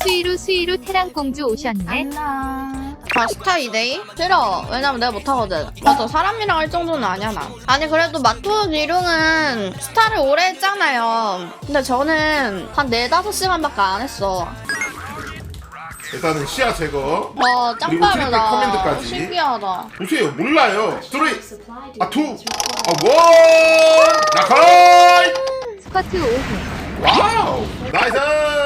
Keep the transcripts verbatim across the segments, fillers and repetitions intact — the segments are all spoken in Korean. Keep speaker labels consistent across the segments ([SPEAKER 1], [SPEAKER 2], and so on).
[SPEAKER 1] 수위로 수위로 테란공주 오셨네.
[SPEAKER 2] 아 스타 이 대이? 싫어. 왜냐면 내가 못하거든. 맞아, 사람이랑 할 정도는 아니야 나. 아니 그래도 마토 기룡은 스타를 오래 했잖아요. 근데 저는 한 네다섯 시간밖에 안 했어.
[SPEAKER 3] 일단은 시야 제거.
[SPEAKER 2] 와 짱
[SPEAKER 3] 그리고 트리플
[SPEAKER 2] 빠르다.
[SPEAKER 3] 커맨드까지.
[SPEAKER 2] 신기하다.
[SPEAKER 3] 보세요, 몰라요. 스토리 아투 아원 나카이.
[SPEAKER 1] 스쿼트 오 분.
[SPEAKER 3] 와우 나이스.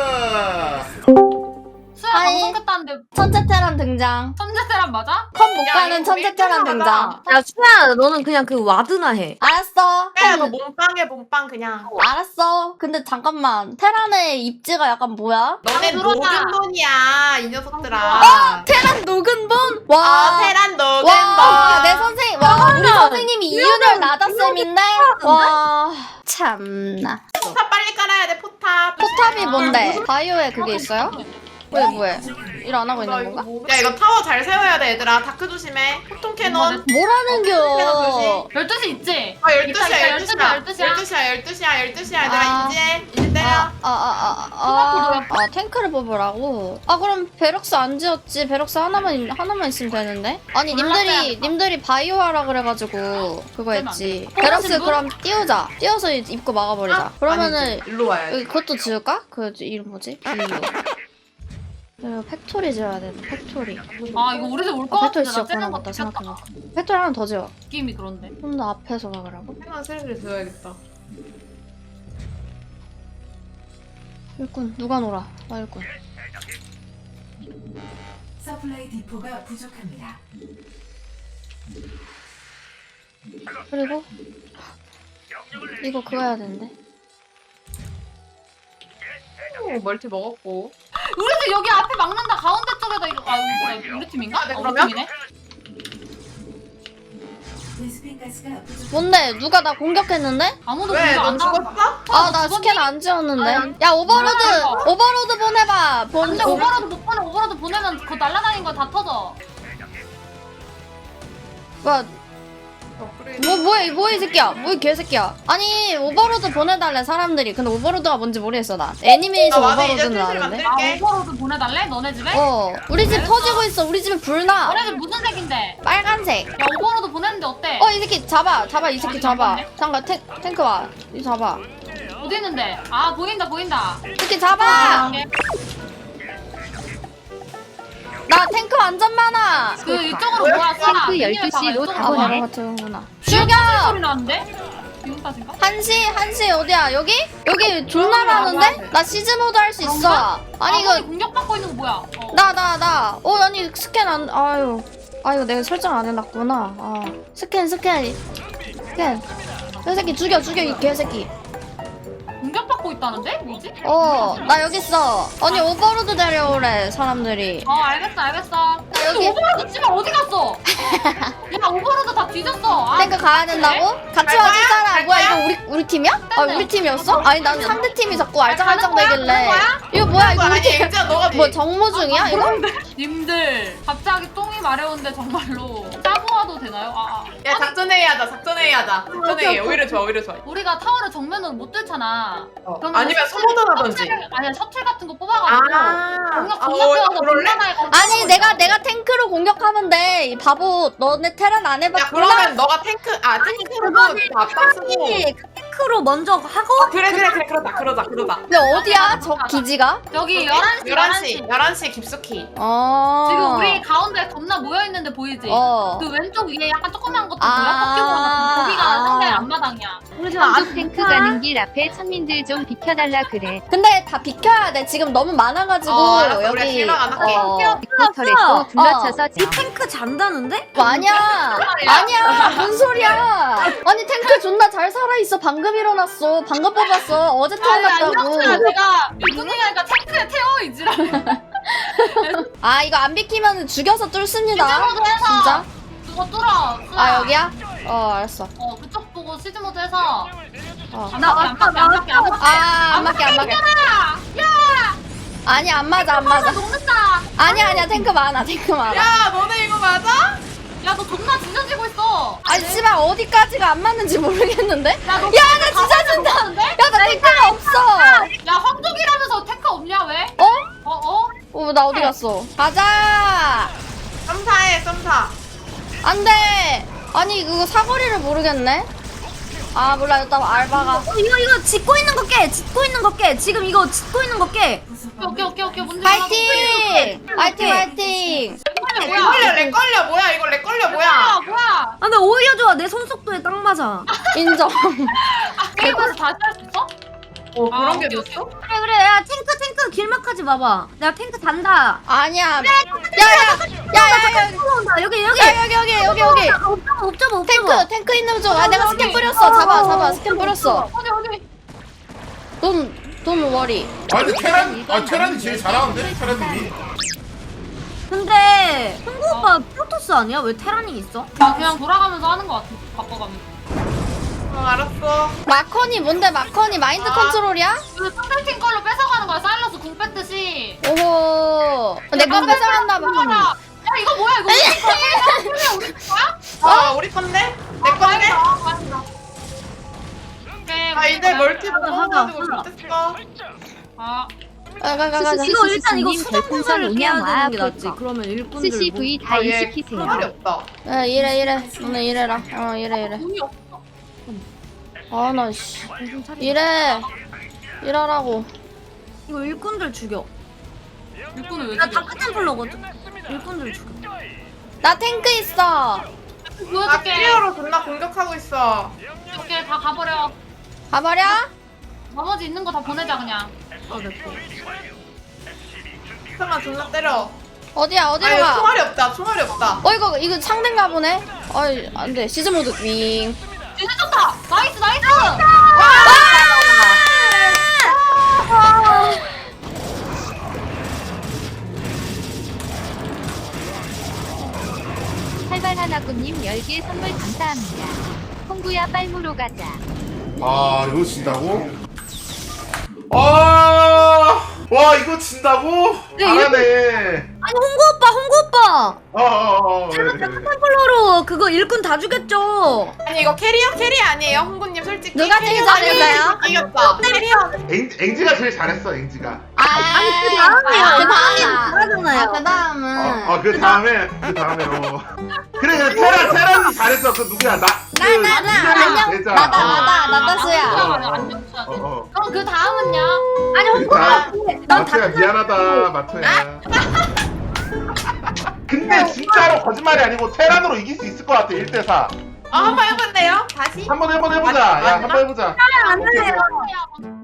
[SPEAKER 4] 수야
[SPEAKER 2] 아이.
[SPEAKER 4] 방송 켰다는데
[SPEAKER 2] 천재 테란 등장.
[SPEAKER 4] 천재 세람 맞아?
[SPEAKER 2] 컵 못
[SPEAKER 5] 야,
[SPEAKER 2] 가는
[SPEAKER 5] 이거
[SPEAKER 2] 천재
[SPEAKER 5] 왜
[SPEAKER 2] 테란
[SPEAKER 5] 이렇게
[SPEAKER 2] 등장.
[SPEAKER 6] 야 수야 너는 그냥 그 와드나 해.
[SPEAKER 2] 알았어.
[SPEAKER 5] 야, 너 몸빵해 몸빵 그냥.
[SPEAKER 2] 알았어. 근데 잠깐만. 테란의 입지가 약간 뭐야?
[SPEAKER 5] 너네
[SPEAKER 4] 들어오자.
[SPEAKER 5] 노근본이야 이 녀석들아.
[SPEAKER 2] 테란 녹은본? 와.
[SPEAKER 5] 아 테란
[SPEAKER 2] 와,
[SPEAKER 5] 노근본.
[SPEAKER 2] 내 선생, 와, 우리 선생님이 이윤열 나다쌤인데? 와, 참나.
[SPEAKER 5] 포탑 빨리 깔아야 돼 포탑.
[SPEAKER 2] 포탑이 뭔데? 바이오에 그게 있어요? 왜, 뭐해? 일 안 하고
[SPEAKER 5] 나
[SPEAKER 2] 있는
[SPEAKER 5] 이거
[SPEAKER 2] 건가?
[SPEAKER 5] 뭐- 야 이거 타워 잘 세워야 돼 얘들아. 다크 조심해. 폭통 캐논.
[SPEAKER 2] 뭐라는겨?
[SPEAKER 4] 열두 시 있지?
[SPEAKER 5] 아 열두
[SPEAKER 4] 이따,
[SPEAKER 5] 시야
[SPEAKER 4] 이따
[SPEAKER 5] 열두 시야
[SPEAKER 4] 열두 시야.
[SPEAKER 5] 열두 시야 열두 시야 열두 시야 얘들아
[SPEAKER 2] 아.
[SPEAKER 5] 이제 이제 때려.
[SPEAKER 2] 아, 아, 아, 아, 아, 아, 탱크를 뽑으라고? 아, 그럼 베럭스 안 지었지. 베럭스 하나만, 있- 하나만 있으면 되는데? 아니, 님들이, 님들이 바이오 하라 그래가지고, 그거 했지. 베럭스 그럼 띄우자. 띄워서 입구 막아버리자. 그러면은,
[SPEAKER 5] 아니지, 일로 와야지.
[SPEAKER 2] 여기 그것도 지을까? 그 이름 뭐지? 블루. 이거 팩토리 지어야 돼. 팩토리.
[SPEAKER 4] 아 이거 우리 집 올
[SPEAKER 2] 아,
[SPEAKER 4] 것
[SPEAKER 2] 팩토리
[SPEAKER 4] 같은데 나
[SPEAKER 2] 지었구나
[SPEAKER 4] 째는 거
[SPEAKER 2] 맞다
[SPEAKER 4] 느꼈다.
[SPEAKER 2] 생각해봐. 팩토리 하나 더 지어.
[SPEAKER 4] 느낌이 그런데.
[SPEAKER 2] 좀 더 앞에서 막으라고.
[SPEAKER 5] 캐논 슬슬 지어야겠다.
[SPEAKER 2] 일꾼 누가 놀아? 나 일꾼.
[SPEAKER 7] 서플라이 디포가 부족합니다.
[SPEAKER 2] 그리고 이거 그거 해야 되는데.
[SPEAKER 5] 오, 멀티 먹었고.
[SPEAKER 4] 우리 집 여기 앞에 막는다. 가운데 쪽에다 이거 아 우리, 우리 팀인가?
[SPEAKER 5] 아, 네,
[SPEAKER 4] 어, 우리
[SPEAKER 5] 그러면?
[SPEAKER 4] 팀이네.
[SPEAKER 7] 베스핀 가스가 부족.
[SPEAKER 2] 뭔데? 누가 나 공격했는데?
[SPEAKER 4] 아무도
[SPEAKER 5] 왜?
[SPEAKER 4] 공격
[SPEAKER 5] 너
[SPEAKER 4] 안 나와.
[SPEAKER 5] 죽었어?
[SPEAKER 2] 아 나 스캔 안 지웠는데. 야 오버로드
[SPEAKER 4] 아,
[SPEAKER 2] 오버로드 보내봐. 본
[SPEAKER 4] 근데 오버로드 못 보내. 오버로드 보내면 그거 날라다니는 거 다 터져.
[SPEAKER 2] 뭐야?
[SPEAKER 5] 업그레이드.
[SPEAKER 2] 뭐 뭐야 이 뭐야 이 새끼야? 뭐야 이 개새끼야? 아니 오버로드 보내달래 사람들이. 근데 오버로드가 뭔지 모르겠어 나. 애니메이션
[SPEAKER 5] 아, 맞아, 이제
[SPEAKER 2] 오버로드는
[SPEAKER 5] 슬슬
[SPEAKER 2] 아는데.
[SPEAKER 4] 아
[SPEAKER 5] 오케이.
[SPEAKER 4] 오버로드 보내달래? 너네 집에?
[SPEAKER 2] 어 우리 집 터지고 있어. 우리 집에 불 나.
[SPEAKER 4] 너네 집 무슨 색인데?
[SPEAKER 2] 빨간색.
[SPEAKER 4] 야 오버로드 보냈는데 어때?
[SPEAKER 2] 어 이 새끼 잡아 잡아 이 새끼 잡아. 잠깐 탱 탱크 와. 이 잡아.
[SPEAKER 4] 어디 있는데? 아 보인다 보인다.
[SPEAKER 2] 이 새끼 잡아. 나 탱크 완전 많아.
[SPEAKER 4] 그 이쪽으로 모아 쏴.
[SPEAKER 1] 탱크 열두 시로
[SPEAKER 2] 아
[SPEAKER 1] 가고
[SPEAKER 2] 바로
[SPEAKER 1] 네
[SPEAKER 2] 같은구나.
[SPEAKER 4] 죽여!
[SPEAKER 2] 죽여.
[SPEAKER 4] 소리 나는데? 기분 탓인가?
[SPEAKER 2] 한시 한시 어디야 여기? 여기 졸라라는데? 나 시즈 모드 할 수 있어. 아니
[SPEAKER 4] 이거
[SPEAKER 2] 이거
[SPEAKER 4] 공격받고 있는 거 뭐야? 어.
[SPEAKER 2] 나 나 나. 어 아니 스캔 안. 아유. 아 이거 내가 설정 안 해놨구나. 아 스캔 스캔 스캔. 이 새끼 죽여 죽여 이 개새끼.
[SPEAKER 4] 공격받고 있다는데? 뭐지?
[SPEAKER 2] 어 나 여기 있어. 아니 오버로드 데려오래 사람들이.
[SPEAKER 4] 어 알겠어 알겠어. 근데
[SPEAKER 2] 여기-
[SPEAKER 4] 오버로드 집에 어디 갔어? 야 오버로드 다 뒤졌어. 아,
[SPEAKER 2] 탱크 가야 된다고? 같이
[SPEAKER 5] 갈
[SPEAKER 2] 와줄
[SPEAKER 5] 거야?
[SPEAKER 2] 사람
[SPEAKER 5] 갈
[SPEAKER 2] 뭐야
[SPEAKER 5] 거야?
[SPEAKER 2] 이거 우리 우리 팀이야? 아 우리 팀이었어? 아니 난 상대 팀이 자꾸 알짱알짱
[SPEAKER 4] 가는 거야?
[SPEAKER 2] 대길래.
[SPEAKER 4] 가는 거야?
[SPEAKER 2] 이거 뭐야 이거 우리
[SPEAKER 5] 아니
[SPEAKER 2] 팀.
[SPEAKER 5] 진짜 너가
[SPEAKER 2] 뭐 정모 중이야 이거?
[SPEAKER 4] 님들 갑자기 똥이 마려운데 정말로 짜보아도 되나요? 아, 아.
[SPEAKER 5] 야 작전회의 하자 작전회의 하자. 작전회의 오히려 좋아 오히려 좋아.
[SPEAKER 4] 우리가 타워를 정면으로 못 뚫잖아.
[SPEAKER 5] 어.
[SPEAKER 4] 그러면
[SPEAKER 5] 아니면
[SPEAKER 4] 셔틀-
[SPEAKER 5] 소모전 하던지.
[SPEAKER 4] 셔틀- 아니야 셔틀 같은 거 뽑아가지고 공격
[SPEAKER 5] 아,
[SPEAKER 4] 존나
[SPEAKER 5] 어,
[SPEAKER 4] 태워서
[SPEAKER 5] 그럴래?
[SPEAKER 4] 공간에
[SPEAKER 2] 아니 내가 내가 탱크로 공격하면 돼. 이 바보 너네 테란 안
[SPEAKER 5] 야
[SPEAKER 2] 해봤구나.
[SPEAKER 5] 그러면 너가 탱크 아 탱크로도 앞장 쓰고.
[SPEAKER 6] 탱크로 먼저 하고
[SPEAKER 5] 아, 그래 그래 그래 그러자 그러자 그러자.
[SPEAKER 2] 근데 어디야 저 기지가?
[SPEAKER 4] 여기 열한 시
[SPEAKER 5] 열한 시 열한 시 깊숙이.
[SPEAKER 2] 어.
[SPEAKER 4] 지금 우리 가운데 겁나 모여있는데 보이지?
[SPEAKER 2] 어.
[SPEAKER 4] 그 왼쪽 위에 약간 조그만 것도
[SPEAKER 2] 아.
[SPEAKER 4] 보여? 꺾이고 거기가
[SPEAKER 2] 아.
[SPEAKER 4] 상대 앞마당이야.
[SPEAKER 1] 한쪽 탱크 가는 길 앞에 천민들 좀 비켜달라 그래.
[SPEAKER 2] 근데 다 비켜야 돼. 지금 너무 많아가지고
[SPEAKER 5] 어, 알았어. 우리가
[SPEAKER 2] 여기.
[SPEAKER 5] 실망 안 할게.
[SPEAKER 2] 어.
[SPEAKER 1] 빅터레 또 둘러쳐서
[SPEAKER 6] 이 탱크 잔다는데?
[SPEAKER 2] 뭐 아니야. 아니야. 뭔 소리야. 아니 탱크 존나 잘 살아있어. 방금 일어났어. 방금 뽑았어. 어제 태어났다고.
[SPEAKER 4] 내가 누누이니까 탱크에 태워 이지랄.
[SPEAKER 2] 아 이거 안 비키면 죽여서 뚫습니다.
[SPEAKER 4] 시즈모드 해서
[SPEAKER 2] 진짜?
[SPEAKER 4] 그거 뚫어.
[SPEAKER 2] 아 여기야? 어 알았어.
[SPEAKER 4] 어 그쪽 보고 시즈모드 해서
[SPEAKER 2] 어.
[SPEAKER 4] 안 맞게 안 맞게 안 맞게 안 맞게.
[SPEAKER 2] 아 안 맞게 안 맞게.
[SPEAKER 4] 야!
[SPEAKER 2] 아니 안 맞아 안 맞아.
[SPEAKER 4] 녹는다.
[SPEAKER 2] 아니야 아니야 탱크 많아 탱크 많아.
[SPEAKER 5] 야 너네 이거 맞아?
[SPEAKER 4] 야 너 존나 찢어지고 있어.
[SPEAKER 2] 아니 씨발 어디까지가 안 맞는지 모르겠는데?
[SPEAKER 4] 야, 너
[SPEAKER 2] 야 나 찢어진다.
[SPEAKER 4] 데
[SPEAKER 2] 야 나 탱크가 없어.
[SPEAKER 4] 야 황족이라면서 탱크 없냐 왜?
[SPEAKER 2] 어?
[SPEAKER 4] 어 어?
[SPEAKER 2] 어, 나 어디 갔어? 가자!
[SPEAKER 5] 썸사해 썸사.
[SPEAKER 2] 안 돼! 아니, 그거 사거리를 모르겠네? 아, 몰라. 일단 알바가.
[SPEAKER 6] 어, 이거 이거 짚고 있는 거 깨. 짚고 있는 거 깨. 지금 이거 짚고 있는 거 깨.
[SPEAKER 4] 오케이 오케이 오케이 문제
[SPEAKER 2] 파이팅! 파이팅, 파이팅!
[SPEAKER 5] 렉 걸려 렉 걸려 뭐야 이거 렉 걸려 뭐야?
[SPEAKER 4] 뭐야 뭐야
[SPEAKER 6] 아, 근데 오히려 좋아. 내 손 속도에 딱 맞아.
[SPEAKER 2] 인정.
[SPEAKER 4] 게임에서 다시 할 수 있어?
[SPEAKER 5] 어
[SPEAKER 4] 아,
[SPEAKER 5] 그런 게
[SPEAKER 4] 오케이,
[SPEAKER 5] 됐어?
[SPEAKER 6] 그래 그래. 야 탱크 탱크 길막하지 마봐. 내가 탱크 단다.
[SPEAKER 2] 아니야. 야, 야, 야, 야, 야,
[SPEAKER 6] 올라온다. 여기 여기.
[SPEAKER 2] 야, 여기, 여기, 여기, 여기.
[SPEAKER 6] 아, 옵저버 옵저버 옵저버.
[SPEAKER 2] 탱크, 탱크 있는 쪽. 아, 내가 스캔 뿌렸어. 잡아, 잡아. 스캔 뿌렸어.
[SPEAKER 4] 어디 어디
[SPEAKER 2] 돈, 돈 워리.
[SPEAKER 3] 아 근데 테란 아 테란이 제일 잘하는데 테란님이.
[SPEAKER 6] 근데 홍구 오빠 프로토스 아니야? 왜 테란이 있어?
[SPEAKER 4] 나 그냥 돌아가면서 하는 거 같아 바꿔가면서
[SPEAKER 5] 어 알았어.
[SPEAKER 2] 마커니 뭔데 마커니 마인드
[SPEAKER 4] 아.
[SPEAKER 2] 컨트롤이야?
[SPEAKER 4] 그 상대팀 걸로 뺏어가는 거야 사일러스 궁 뺐듯이
[SPEAKER 2] 오호. 내건 뺏어간다 봐.
[SPEAKER 4] 야 이거 뭐야 이거 우리 거야? 우리 거야?
[SPEAKER 5] 아 우리 건데? 내 건데?
[SPEAKER 4] 오케이
[SPEAKER 5] 아 이제 멀티 못
[SPEAKER 6] 하자,
[SPEAKER 5] 먹어가지고
[SPEAKER 6] 하자.
[SPEAKER 5] 좋댔어.
[SPEAKER 4] 아
[SPEAKER 2] 가, 가, 가, 가.
[SPEAKER 6] 이거 일단 이거
[SPEAKER 1] 스시스님
[SPEAKER 6] 수정
[SPEAKER 1] 별풍선
[SPEAKER 6] 공사를 깨야
[SPEAKER 1] 운영
[SPEAKER 6] 되는 게
[SPEAKER 1] 와
[SPEAKER 6] 낫지. 그러면 일꾼들
[SPEAKER 1] 스시
[SPEAKER 6] 뭐-
[SPEAKER 1] V
[SPEAKER 5] 아,
[SPEAKER 1] 다이
[SPEAKER 5] 얘
[SPEAKER 1] 시키세요.
[SPEAKER 5] 말이 없다.
[SPEAKER 2] 야, 이래, 이래. 오늘 이래라. 어, 이래, 이래.
[SPEAKER 4] 돈이 없어
[SPEAKER 2] 아, 나, 씨. 이래. 이러라고.
[SPEAKER 6] 이거 일꾼들 죽여.
[SPEAKER 4] 일꾼을 왜
[SPEAKER 6] 나
[SPEAKER 4] 죽여
[SPEAKER 6] 다크템플러거든. 일꾼들 죽여.
[SPEAKER 2] 나 탱크 있어.
[SPEAKER 5] 아
[SPEAKER 4] 보여줄게
[SPEAKER 5] 클리어로 존나 공격하고 있어.
[SPEAKER 4] 오케이 다 가버려
[SPEAKER 2] 가버려?
[SPEAKER 4] 나머지 있는 거 다 보내자 그냥
[SPEAKER 5] 잠깐만 존나 때려.
[SPEAKER 2] 어디야,
[SPEAKER 5] 아
[SPEAKER 2] 어디로
[SPEAKER 5] 이거
[SPEAKER 2] 가?
[SPEAKER 5] 총알이 없다 총알이 없다.
[SPEAKER 2] 어, 이거, 이거 상대인가 보네? 어이, 안 돼. 시즈 모드 윙.
[SPEAKER 4] 진짜 좋다 나이스 나이스
[SPEAKER 1] 활발하나꾸님 열 개 선물 감사합니다. 홍구야 빨무로 가자.
[SPEAKER 3] 아 이거 진다고? 아, 와 이거 진다고? 잘하네.
[SPEAKER 6] 아니 홍구 오빠, 홍구 오빠.
[SPEAKER 3] 어어어.
[SPEAKER 6] 다크템플러로 그거 일꾼 다 죽였죠.
[SPEAKER 5] 아니 이거 캐리어 캐리 아니에요 홍구님 솔직히.
[SPEAKER 2] 누가 제일
[SPEAKER 5] 캐리어
[SPEAKER 2] 잘했어요?
[SPEAKER 5] 아니, 이겼다. 캐리어.
[SPEAKER 3] 앵지가 제일 잘했어 앵지가.
[SPEAKER 6] 아니 그 다음이야.
[SPEAKER 2] 아, 그 다음이.
[SPEAKER 6] 잘하잖아요.
[SPEAKER 2] 아, 그 다음은.
[SPEAKER 3] 어 그 다음에 그 다음에 어. 그래 그래 테란 테란이 잘했어. 그 누구야 나.
[SPEAKER 2] 나, 나, 나, 안녕.
[SPEAKER 3] 대자.
[SPEAKER 2] 나다, 나다,
[SPEAKER 3] 어.
[SPEAKER 2] 나다수야.
[SPEAKER 4] 안녕
[SPEAKER 3] 어 어.
[SPEAKER 4] 그럼 그 다음은요?
[SPEAKER 6] 아니 홍구
[SPEAKER 3] 자,
[SPEAKER 6] 오빠. 난
[SPEAKER 3] 마토야 미안하다 마토야. 근데 진짜로 거짓말이 아니고 테란으로 이길 수 있을 것 같아 일 대 사.
[SPEAKER 5] 아 한번 해볼래요? 다시?
[SPEAKER 3] 한번 해번 해보자. 야 한번 해보자.
[SPEAKER 6] 안
[SPEAKER 3] 오케이,
[SPEAKER 6] 돼요.
[SPEAKER 3] 오케이.